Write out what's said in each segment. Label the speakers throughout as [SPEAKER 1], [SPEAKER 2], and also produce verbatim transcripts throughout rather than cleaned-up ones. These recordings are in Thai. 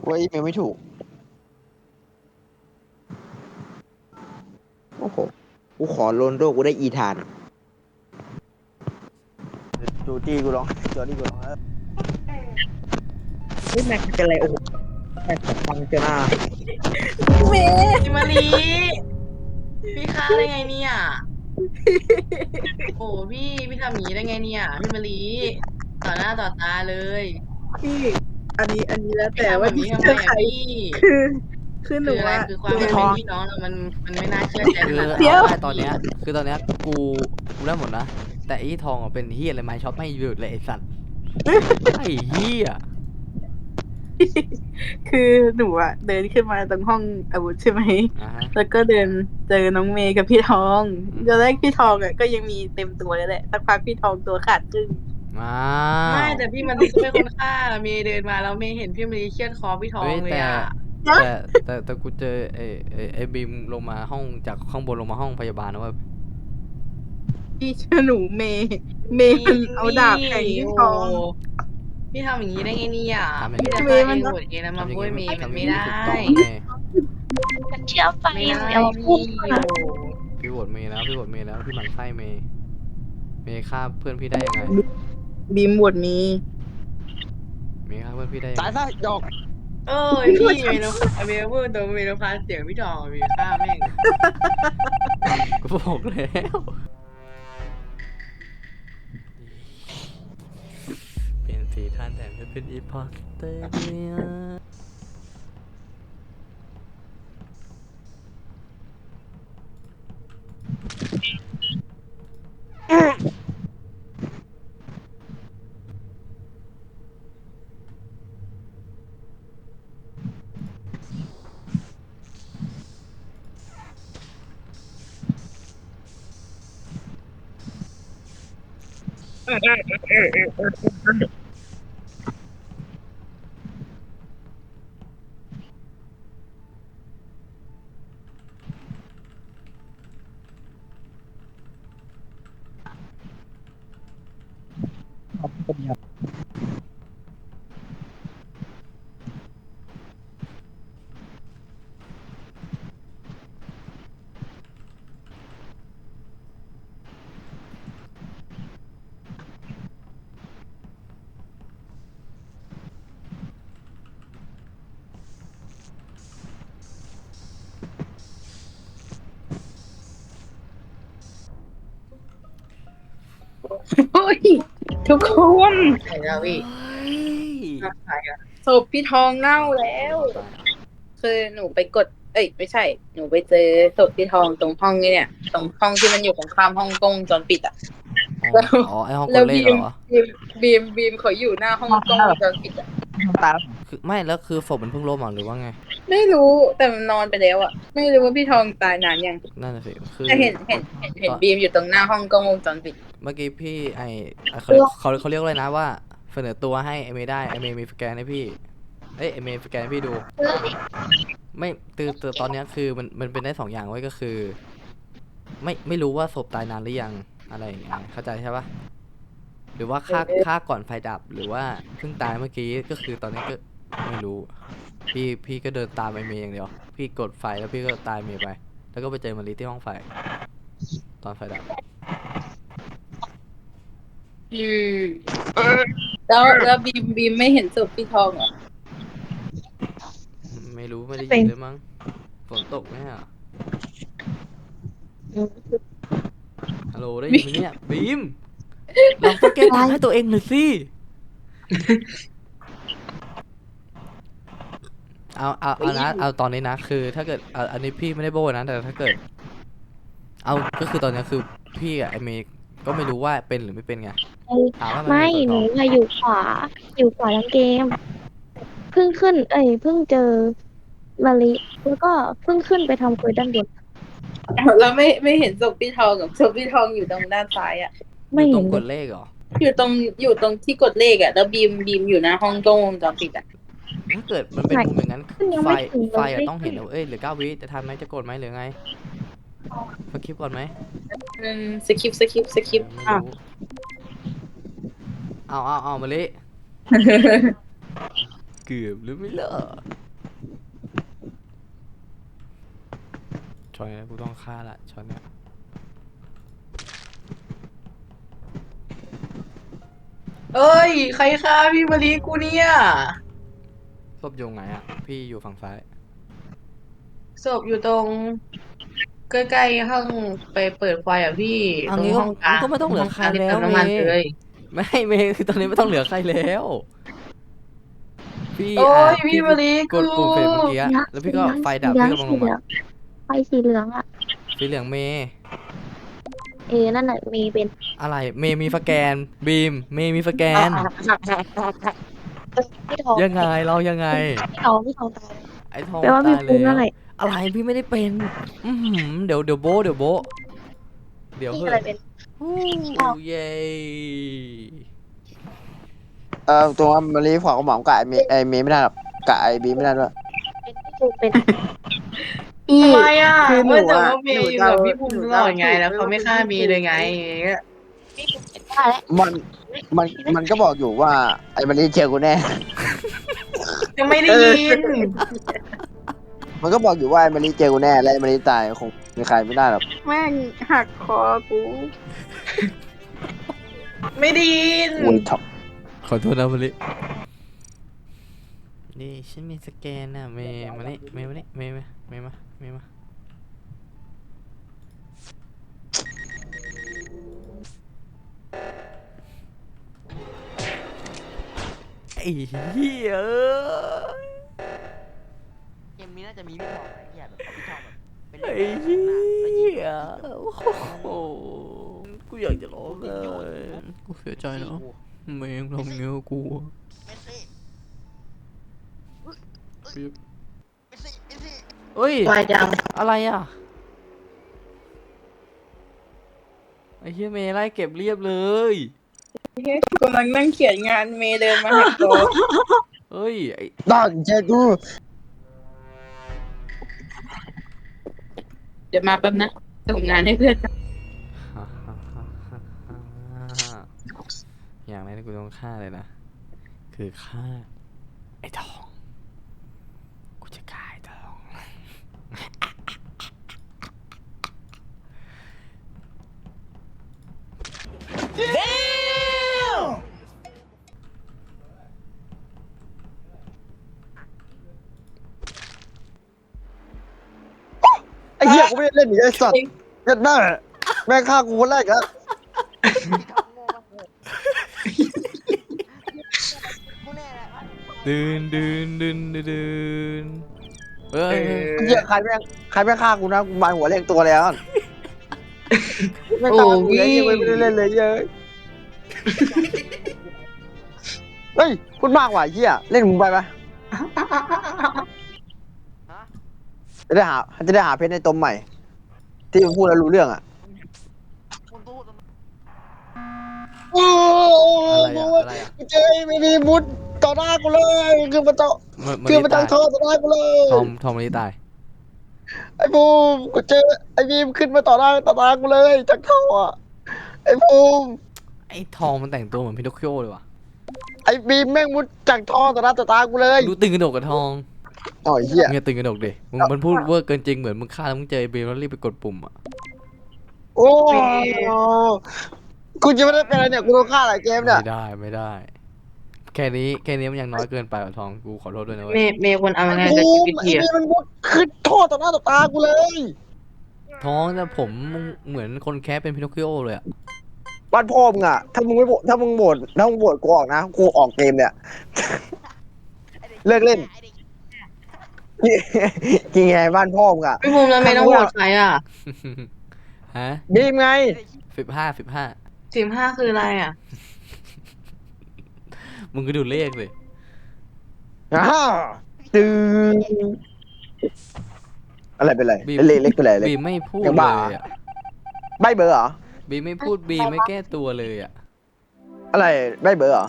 [SPEAKER 1] ว่าอีเมลไม่ถูกโอ้โหกูขอโรนลโดกูได้อีธานจูจี้กูร้องจอดี้กูร้องเออเฮ้ยแม็กเป็นไรโอ้โหแม็กฟังเจอหน้า
[SPEAKER 2] เมย์
[SPEAKER 3] พี่มารีพี่ฆ่าได้ไงเนี่ยโอ้พี่พี่ทำอย่างนี้ได้ไงเนี่ยพี่มารีต่อหน้าต่อตาเลย
[SPEAKER 2] พี่อันนี้อันนี้แล้ว
[SPEAKER 3] พี่
[SPEAKER 2] แต่ว่า
[SPEAKER 3] ทำแบบนี้ทำไม
[SPEAKER 2] จะใคร
[SPEAKER 3] อ่ะพี่
[SPEAKER 2] คือคือหนู
[SPEAKER 3] คืออะไร
[SPEAKER 2] อะ
[SPEAKER 3] คือความเป็นพี่น้องเรามันมันไม่น่าเชื่อใจข
[SPEAKER 4] คือ
[SPEAKER 3] นาดนั้น
[SPEAKER 2] เดี๋ยว
[SPEAKER 4] เอาง่ายตอนเนี้ยคือตอนเนี้ยกูกูได้หมดนะแต่ไอ้ทองอ่ะเป็นเฮียอะไรไม่ช็อปไม่หยุดเลยไอ้สัตว์ไอ้เฮีย
[SPEAKER 2] คือหนูอะเดินขึ้นมาตรงห้องอาวุธใช่ไหม
[SPEAKER 4] อ่าฮะ
[SPEAKER 2] แล้วก็เดินเจอน้องเมย์กับพี่ทองตอนแรกพี่ทองอะก็ยังมีเต็มตัวแล้วแหละสักพักพี่ทองตัวขาดครึ่ง
[SPEAKER 4] อ้า
[SPEAKER 3] ไม่
[SPEAKER 4] ว
[SPEAKER 3] แต่พี่มารีก็เป็นคนฆ่าเมย์เดินมาแล้วเมย์เห็นพี่มารีเชือดคอพี่ทอ
[SPEAKER 4] เฮ้
[SPEAKER 3] ง
[SPEAKER 4] ย
[SPEAKER 3] เลย
[SPEAKER 4] แต่
[SPEAKER 3] อ่ะ
[SPEAKER 4] แต่แต่แต่กูเจอไอ้ไอ้ไอ้บีมลงมาห้องจากข้างบนลงมาห้องพยาบาลนะเว่า
[SPEAKER 2] พี่เชื่อหนูเมย์เมย์มันเอาดาบแทงพี่ทอง
[SPEAKER 3] โพี่ทำอย่างนี้ได้ไงเนี่ย
[SPEAKER 4] ทำอย่าง
[SPEAKER 3] พี่
[SPEAKER 4] นี้
[SPEAKER 3] จะ
[SPEAKER 2] เม
[SPEAKER 3] ฆ่า
[SPEAKER 2] ย์
[SPEAKER 3] เอ
[SPEAKER 2] มัน
[SPEAKER 3] งหมดเองนะมา
[SPEAKER 4] ทำอย่าง
[SPEAKER 3] บ้วยเม
[SPEAKER 4] นี้
[SPEAKER 3] ย์มัน
[SPEAKER 4] ทำอ
[SPEAKER 3] ไม่
[SPEAKER 4] ย่างนี้
[SPEAKER 3] ได้
[SPEAKER 4] ถูกต้องนะเมย์
[SPEAKER 5] มันเชื่อฟัง
[SPEAKER 3] ไม่
[SPEAKER 5] อย่าง
[SPEAKER 3] ได้
[SPEAKER 5] เดียวพู
[SPEAKER 3] พี่
[SPEAKER 5] ด
[SPEAKER 3] โอ้
[SPEAKER 5] มา
[SPEAKER 4] พี่โหวตเมย์แล้วพี่โหวตเมย์แล้วพี่หมั่นไส้เมย์เมย์ฆ่าเพื่อนพี่ได้ยังไง
[SPEAKER 2] บีมบวดมี
[SPEAKER 4] เมย์ฆ่าเพื่อนพี่ได้ยัง
[SPEAKER 1] ตาย
[SPEAKER 4] ไง
[SPEAKER 1] ซะดอก
[SPEAKER 3] เออพี่เมย์ต้องเมย์พูดตรงเมย์ต้องพาเสียงพี่ทองเมย์ฆ่าแม่ง
[SPEAKER 4] กูบอกแล้วเป็นสีท่านแต่ไม่เป็นอีพอสเตอร์เนี่ย
[SPEAKER 2] โอ้ยทุกคน
[SPEAKER 3] ใช่แล้วพี่
[SPEAKER 4] เฮ้ย
[SPEAKER 3] ใช่อะ
[SPEAKER 2] ศพพี่ทองเน่าแล้ว คือหนูไปกด เอ้ยไม่ใช่ หนูไปเจอศพพี่ทองตรงห้องนี่เนี่ย ตรงห้องที่มันอยู่ตรงข้ามห้องกล้องวงจรปิดอะ
[SPEAKER 4] อ๋ออ๋อไอห้องก
[SPEAKER 2] แล้ว
[SPEAKER 4] ดเลข
[SPEAKER 2] บีม
[SPEAKER 4] เหรอ
[SPEAKER 2] บีมบีมบีมเขาอยู่หน้าห้องกล้องวงจรปิดอะ
[SPEAKER 1] ตาย
[SPEAKER 4] คือไม่แล้วคือศพมันเพิ่งล้มเหรอหรือว่าไง
[SPEAKER 2] ไม่รู้แต่มันนอนไปแล้วอะไม่รู้ว่าพี่ทองตายนานยัง
[SPEAKER 4] นั่นน่ะสิคือ
[SPEAKER 2] แต่เห็นเห็นเห็นเห็นบีมอยู่ตรงหน้าห้องกล้องวงจรปิด
[SPEAKER 4] เมื่อกี้พี่ไอเขาเขาเขาเรียกว่าอะไรนะว่าเสนอตัวให้ไอเมย์ได้ไอเมย์มีสแกนให้พี่เอ้ยไอเมย์สแกนให้พี่ดู ไม่ตือตือตอนเนี้ยคือมันมันเป็นได้สองอย่างไว้ยก็คือ ไม่ไม่รู้ว่าศพตายนานหรือยังอะไรอย่างเงี้ยเข้าใจใช่ปะหรือว่าฆ่าฆ่าก่อนไฟดับหรือว่าเพิ่งตายเมื่อกี้ก็คือตอนนี้ก็ไม่รู้ พี่พี่ก็เดินตามไอเมย์อย่างเดียวพี่กดไฟแล้วพี่ก็ตายเมย์ไป แล้วก็ไปเจอมารีที่ห้องไฟ ตอนไฟดับ
[SPEAKER 2] อืมแล้วแล้วบีมบีมไม่เห็นศพพี่ทองเหรอ
[SPEAKER 4] ไม่รู้ไม่ได้ยินเลยมั้งฝนตกไหมอ่ะฮัลโหลได้ยินไหมเนี่ยบีมเราต้องแก้ทางให้ตัวเองหน่อยสิเอาเอาเอานะเอาตอนนี้นะคือถ้าเกิดเอาอันนี้พี่ไม่ได้โบ้นะแต่ถ้าเกิด เอาก็คือตอนนี้คือพี่กับไอเมย์ก็ไม่รู้ว่าเป็นหรือไม่เป็นไงถามว่ามัน
[SPEAKER 5] ไม่
[SPEAKER 4] เป็น
[SPEAKER 5] ห
[SPEAKER 4] ตั
[SPEAKER 5] นู
[SPEAKER 4] ว
[SPEAKER 5] อะอยู่ขวา อยู่ขวาทั้งเกม เพิ่งขึ้น เอ้ยเพิ่งเจอมาริแล้วก็เพิ่งขึ้นไปทำคุยด้านบน
[SPEAKER 2] แล้วไม่ไม่เห็นศพพี่ทองกับศพพี่ทองอยู่ตรงด้านซ้ายอ่ะ
[SPEAKER 5] ไม่
[SPEAKER 4] อยู่ต
[SPEAKER 5] เห็
[SPEAKER 4] ร
[SPEAKER 5] น
[SPEAKER 4] ง
[SPEAKER 5] เล
[SPEAKER 4] ก
[SPEAKER 5] ย
[SPEAKER 4] ดเลขเหรอ
[SPEAKER 2] อยู่ตรงอยู่ตรงที่กดเลขอ่ะแล้วบีมบีมอยู่หน้าห้องกล้องวงจรปิดอ่ะ
[SPEAKER 4] ถ้าเกิดมันเป็นมุมอย่างนั้น
[SPEAKER 5] ขึ้นยัง
[SPEAKER 4] ไฟ
[SPEAKER 5] ไม่ถึงเลย
[SPEAKER 4] ไฟอะต้องเห็นนะเอ้ยเหลือเก้าวิจะทันไหมจะกดไหมหรือไงสคริปก่อนไหม
[SPEAKER 2] อืมสคริปสคริปสคริป
[SPEAKER 4] ไม่
[SPEAKER 2] อ่ะ
[SPEAKER 4] รู้เอาเอาเอามาเลยเกือบหรือไม่เลิกช็อตนี้กูต้องฆ่าละช็อตเนี้ย
[SPEAKER 3] เอ้ย ใครฆ่าพี่มารีกูเนี่ย
[SPEAKER 4] ศพอยู่ไหนอ่ะพี่อยู่ฝั่งซ้าย
[SPEAKER 3] ศพอยู่ตรงใกล้ๆห้องไปเปิดไฟอ่ะพี่
[SPEAKER 4] อัน
[SPEAKER 3] ตรง
[SPEAKER 4] นี้ก็
[SPEAKER 3] ห้องกลาง
[SPEAKER 4] ก็ไม่ต้องเหลือใคร
[SPEAKER 3] ห้งกางที่
[SPEAKER 4] แล้ว
[SPEAKER 3] เติมน้ำมัน
[SPEAKER 4] เมย์
[SPEAKER 3] เลย
[SPEAKER 4] ไม่เมย์คือตอนนี้ไม่ต้องเหลือใครแล้วพี่
[SPEAKER 3] โอ้ย
[SPEAKER 4] อ่ะ
[SPEAKER 3] พี่มารี
[SPEAKER 4] กดปุ่มเฟรมเมื่อกี้
[SPEAKER 5] สี
[SPEAKER 4] อะ
[SPEAKER 5] เหลือง
[SPEAKER 4] แล้วพี่ก็ไฟดับ
[SPEAKER 5] สี
[SPEAKER 4] พี่
[SPEAKER 5] เห
[SPEAKER 4] ก็
[SPEAKER 5] ลื
[SPEAKER 4] ล
[SPEAKER 5] อง
[SPEAKER 4] งมา
[SPEAKER 5] ไฟสีเหลืองอะ
[SPEAKER 4] สีเหลืองเมย์
[SPEAKER 5] เออนั่นแหละมีเป็น
[SPEAKER 4] อะไรเมย์มีสแกนบีมเมย์มีสแกน
[SPEAKER 5] พี่ทอง
[SPEAKER 4] ยังไงเรายังไง
[SPEAKER 5] พี่ทองพี่ทองตาย
[SPEAKER 4] ไอ้ทอง
[SPEAKER 5] แปลว่าพี่
[SPEAKER 4] ตาย
[SPEAKER 5] ภูมิ
[SPEAKER 4] แล้
[SPEAKER 5] นั่
[SPEAKER 4] วน
[SPEAKER 5] แหละ
[SPEAKER 4] อะไรพี่ไม่ได้เป็นอือหือเดี๋ยวเดี๋ยวโบะเดี๋ยวโบะเดี๋ยว
[SPEAKER 5] พี่
[SPEAKER 4] เฮ้
[SPEAKER 5] อะไร
[SPEAKER 4] ย
[SPEAKER 5] เป็น
[SPEAKER 4] ฮู้เย้
[SPEAKER 1] เออตรงว่ามารีขวางกระหม่อมกับไอเมไอเมไม่ได้หรอกกับไอบีไม่ได้ด้วย
[SPEAKER 5] เป็นพี่ภูมิเป็น
[SPEAKER 2] พี่
[SPEAKER 3] ทำไมอ่ะ
[SPEAKER 2] คือหนู
[SPEAKER 3] เมื่อแต่
[SPEAKER 2] อะ
[SPEAKER 3] ว่าเมย์อยู่กับพี่ภูมิตลอดไง แล้วเขาไม่ฆ่าเมย์เลยไง
[SPEAKER 5] พี่ภูมิเป็นได้แล้ว
[SPEAKER 1] มันมันมันก็บอกอยู่ว่าไอมารีเจอกูแน่
[SPEAKER 3] ยังไม่ได้ยิน
[SPEAKER 1] มันก็บอกอยู่ว่าไอมารีเจอกูแน่และไอมารีตายคงมีใครไม่ได้หรอก
[SPEAKER 2] แม่งหักคอกู
[SPEAKER 3] ไม่ได้ยิน
[SPEAKER 1] โวยท็อป
[SPEAKER 4] ขอโทษนะมาลินี่ฉันมีสแกนนะเมย์มานี่เมย์มานี่เมย์มาเมย์มาเมย์มาไอ้เหี้ยเอ้ย
[SPEAKER 1] เกมนี้น่าจะมีพี่ทองไอ้เหี้ยแบบพี่ทองแบบเป็น
[SPEAKER 4] ไอ้เหี้ยโอ้โหกูอยากจะร้องเลยกูเสียใจเนาะเมย์ยังทำเงี้ยกับกูอะ เอ้ย
[SPEAKER 3] วายด
[SPEAKER 4] อะไรอ่ะ ไอ้เหี้ยเมย์ไล่เก็บเรียบเลย
[SPEAKER 2] กำลังนั่งเขียนงานเมย์เดินมาหักคอ
[SPEAKER 4] เอ้ยไอ้
[SPEAKER 1] ตั้งใจกู
[SPEAKER 2] เดี๋ยวมาแป๊บนะส่งงานให้เพื่อน
[SPEAKER 4] อย่างแรกที่กูต้องฆ่าเลยนะ คือฆ่า ไอ้ทอง กูจะฆ่าไอ้ทอง
[SPEAKER 1] ไอ้เหี้ยกูไม่ได้เล่นอีกไอ้สัตว์เล่นได้แม่งฆ่ากูคนแรกอะ
[SPEAKER 4] ดืนดืนดืนดืนดืนเอ้ย
[SPEAKER 1] เหี้ยใครแม่งใครแม่งฆ่ากูนะกูมาหัวเรียงตัวแล้วไม่
[SPEAKER 3] โอ้
[SPEAKER 1] ตามกูเลย
[SPEAKER 3] พี่
[SPEAKER 1] ไม่ได้เล่นเลยเย้ยเฮ้ยพูดมากว่ะเหี้ยเล่นมึงไปปะจะได้หาจะได้หาเพชรในตมใหม่ ที่มึงพูดแล้วรู้เรื่องอ่ะโอ้
[SPEAKER 4] อะไรอะอะไรอะ
[SPEAKER 1] เจ๊ไม่มีมุดต่อหน้ากูเลยคือมันต่อ
[SPEAKER 4] มันมัน
[SPEAKER 1] คือมัน
[SPEAKER 4] ตา
[SPEAKER 1] ตั้
[SPEAKER 4] ย
[SPEAKER 1] งท่อต่อหน้ากูเลย
[SPEAKER 4] ทอมทอมมันนี่ตาย
[SPEAKER 1] ไอ้บูมกูเจอไอ้บีมขึ้นมาต่อหน้าต่อตากูเลยจากท่ออะไอ้บูม
[SPEAKER 4] ไอ้ทองมันแต่งตัวเหมือนพินอคคิโอเลยว่ะ
[SPEAKER 1] ไอ้บีมแม่งมุดจากท่อต่อหน้าต่อตากูเลย
[SPEAKER 4] ดูตึงกระดกกับทอง
[SPEAKER 1] อ๋อเหี้ย
[SPEAKER 4] มึงอย่าตึงกระดกดิมึงมันพูดเวอร์เกินจริงเหมือนมึงฆ่าแล้วมึงเจอไอ้เบลแล้วรีบไปกดปุ่มอ่ะ
[SPEAKER 1] โอ้กูจะไม่ได้เป็นอะไรเนี่ยกูโดนฆ่าหลายเกมเนี่ย
[SPEAKER 4] ไม่ได้ไม่ได้ แค่นี้แค่นี้มันยังน้อยเกินไปว่ะทองกูขอโทษด้วยนะเว้
[SPEAKER 3] เม
[SPEAKER 4] ย
[SPEAKER 3] ย์เมย์ควรเอายังไง
[SPEAKER 1] ไอ้
[SPEAKER 3] กับ
[SPEAKER 1] บู
[SPEAKER 3] ชี
[SPEAKER 1] ม
[SPEAKER 3] วิต
[SPEAKER 1] ไอ้
[SPEAKER 3] เทีย
[SPEAKER 1] บีมมันมุดขึ้นท่อต่อหน้าต่อตากูเลย
[SPEAKER 4] ทองแต่ผมมึงเหมือนคนแคสเป็นพินอคคิโอเลยอ่ะ
[SPEAKER 1] บ้านพ่อมึงอ่ะถ้ามึงไม่โหวตถ้ามึงโหวตถ้ามึงโหวตกูออกนะกูออกเกมเนี่ยเลิกเล่นจริงไงบ้านพ่อมึงอ่ะ
[SPEAKER 3] พี่ภูมิแล้วเมย์ต้องโหวตใครอ่ะ
[SPEAKER 4] ฮะ
[SPEAKER 1] บีมไง
[SPEAKER 4] สิบห้าสิบห้า
[SPEAKER 3] สิบห้าคืออะไรอ่ะ
[SPEAKER 4] มึงก็ดูเลขเลย
[SPEAKER 1] อ้าวตึงอะไรเป็นไร
[SPEAKER 4] บีม
[SPEAKER 1] เล็กเล็กเป็นไรเล็ก
[SPEAKER 4] บีมไม่พูด
[SPEAKER 1] ยัง
[SPEAKER 4] เล
[SPEAKER 1] บ้า
[SPEAKER 4] ยอ่ะ
[SPEAKER 1] ใบเบอร์เหรอ
[SPEAKER 4] บีมไม่พูดบีมไม่แก้ตัวเลยอ่ะ
[SPEAKER 1] อะไรใบเบอร์เหรอ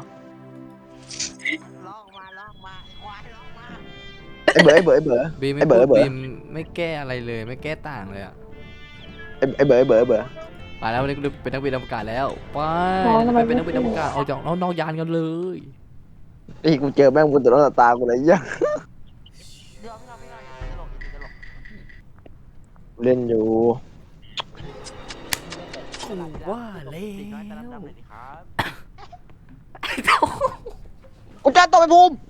[SPEAKER 1] ไอเบอร์ไอเบอร์ไอเบอร์
[SPEAKER 4] บีมไม่
[SPEAKER 1] ไอ้เบ
[SPEAKER 4] พู
[SPEAKER 1] อร์
[SPEAKER 4] ด
[SPEAKER 1] ไอ้เบอร์
[SPEAKER 4] บีมไม่แก้อะไรเลย ไม่แก้ต่างเลยอ่ะ
[SPEAKER 1] ไอไอเบอร์ไอเบอร์ไอเบอร์
[SPEAKER 4] ไปแล้ววันนี้กูเป็นนักบินอวกาศแล้วไป
[SPEAKER 5] น้องทำไม
[SPEAKER 4] ไปเป็นนักบิน
[SPEAKER 5] ไม่
[SPEAKER 4] อ
[SPEAKER 5] พู
[SPEAKER 4] ว
[SPEAKER 5] ด
[SPEAKER 4] กาศออกจากนอกนอกยานกันเลย
[SPEAKER 1] ไอ้กูเจอแม่งบนตัวหน้าตากูเลยยังเล่นอยู่
[SPEAKER 4] กูว่าแล้ว
[SPEAKER 1] กูจะตบไปภูมิ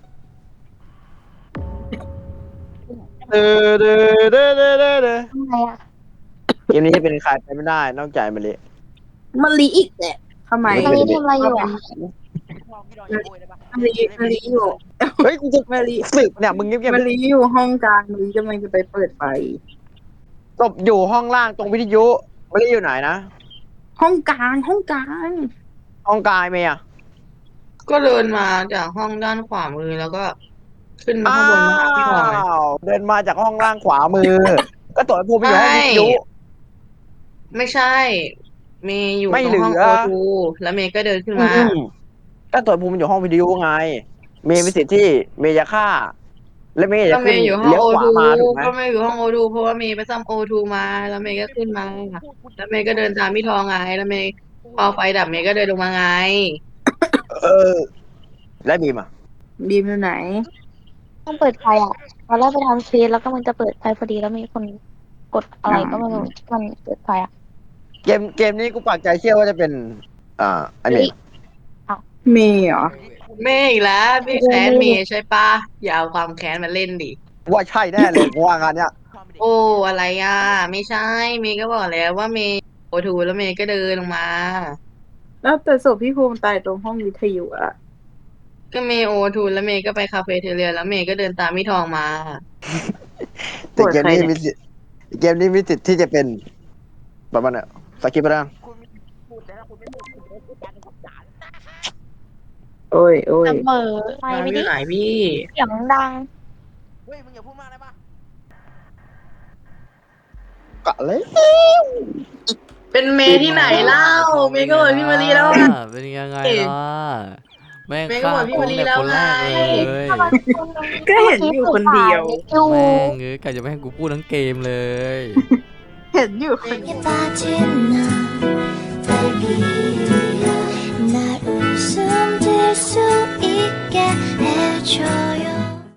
[SPEAKER 1] เด้อเด้อเด้อเด้อเด้อเด้อ
[SPEAKER 5] ทำไมอ่ะ
[SPEAKER 1] เกมนี้จะเป็นใครไปไม่ได้นอกจากมาเลย
[SPEAKER 2] มะลิอีกแหละทำไม
[SPEAKER 5] ตอนนี้ทำอะไรอยู่อ่ะ
[SPEAKER 2] มะลิมะลิอยู่
[SPEAKER 1] เฮ้ยกูจะ
[SPEAKER 2] มะลิ
[SPEAKER 1] สืบเนี่ยมึงเงียบ
[SPEAKER 2] มะลิอยู่ห้องกลางมะลิกำลังจะไปเปิดไฟ
[SPEAKER 1] ๆตบอยู่ห้องล่างตรงวิทยุไม่ได้อยู่ไหนนะ
[SPEAKER 2] ห้องกลางห้องกลาง
[SPEAKER 1] ห้องกายเมย์อะ
[SPEAKER 3] ก็เดินมาจากห้องด้านขวามือแล้วก็ขึ้นมาข้างบนมาหาพี่ทองไง
[SPEAKER 1] อ้าวเดินมาจากห้องล่างขวามือ ก็ตบไปภูมิอยู่ห้องวิทยุ
[SPEAKER 3] ไม่ใช่ เมย์อยู่
[SPEAKER 1] ไม่
[SPEAKER 3] ตรง
[SPEAKER 1] เหลือ
[SPEAKER 3] ห้องโอทูแล้วเมย์ก็เดินขึ้นมา
[SPEAKER 1] อืมก็ตบไปภูมิอยู่ห้องวิทยุไง เมย์มีสิทธิ์ที่เมย์จะฆ่า และเมย์
[SPEAKER 3] ก็
[SPEAKER 1] จะ
[SPEAKER 3] เม
[SPEAKER 1] ขึ้น
[SPEAKER 3] ย์อยู่ห้อง
[SPEAKER 1] เลี้ยว
[SPEAKER 3] โอ
[SPEAKER 1] ขวา
[SPEAKER 3] ทู
[SPEAKER 1] มาถูกไหม
[SPEAKER 3] ก็เมย์อยู่ห้องโอทูเพราะว่าเมย์ไปซ่อมโอทูมา แล้วเมย์ก็ขึ้นมา แล้วเมย์ก็เดินตามพี่ทองไง แล้วเมย์พอไฟดับเมย์ก็เดินลงมาไง
[SPEAKER 1] เออ และบีมอ่ะ
[SPEAKER 2] บีมอยู่ไหน
[SPEAKER 5] ต้องเปิดไฟอ่ะตอนแรกไปทำเคสแล้วก็มันจะเปิดไฟพอดีแล้วมีคนกดอะไรก็ไม่รู้มันเปิดไฟอ่ะ
[SPEAKER 1] เกมเกมนี้กูปักใจเชื่อว่าจะเป็น อ่าไอเมย์
[SPEAKER 2] เมย์เหรอ
[SPEAKER 3] เมย์อีกแล้วพี่แค้นเมย์ใช่ปะอย่าเอาความแค้นมาเล่นดิ
[SPEAKER 1] ว่าใช่แน่เลยกูว่างานเนี้ย
[SPEAKER 3] โอ้อะไรอ่ะ ไม่ใช่ เมย์ก็บอกแล้วว่าเมย์โอทูแล้วเมย์ก็เดินลงมา
[SPEAKER 2] แล้วแต่ศพพี่ภูมิตายตรงห้องวิทยุอะ
[SPEAKER 3] ก็เมย์โอทูแล้วเมย์ก็ไปคาเฟ่เทเรียแล้วเมย์ก็เดินตามพี่ทองมา
[SPEAKER 1] แต่เกมนี้มีสิทธิ์เกมนี้มีสิทธิ์ที่จะเป็นประมาณเนี้ยสกิปไปแล้ว
[SPEAKER 2] โอ้ยโอ้ย
[SPEAKER 5] เสมอไฟ
[SPEAKER 3] มา
[SPEAKER 5] ไม่
[SPEAKER 3] อ
[SPEAKER 5] ได้
[SPEAKER 3] ยู่ไหนพี่
[SPEAKER 5] เสียงดัง
[SPEAKER 1] เฮ้ยมึงอย่าพูดมากได้ปะกะเลย
[SPEAKER 3] เป็นเมย์ที่ไหนเล่า เมย์ก็บอกพี่มารีแล้วไง
[SPEAKER 4] เป็นยังไงล่ะแม่ง
[SPEAKER 3] แม่งก็
[SPEAKER 4] ฆ่า
[SPEAKER 3] บอกพี่
[SPEAKER 4] กู
[SPEAKER 3] วลี
[SPEAKER 4] เนี่ย
[SPEAKER 3] แล้ว
[SPEAKER 4] คนแรก
[SPEAKER 3] ไง
[SPEAKER 4] เลย
[SPEAKER 2] ก็เห็นอยู่คนเดียว
[SPEAKER 5] อยู่
[SPEAKER 4] แม่งเอ้ยกะจะไม่ให้กูพูดทั้งเกมเลย
[SPEAKER 2] เห็นอยู่คน
[SPEAKER 6] 也把天哪。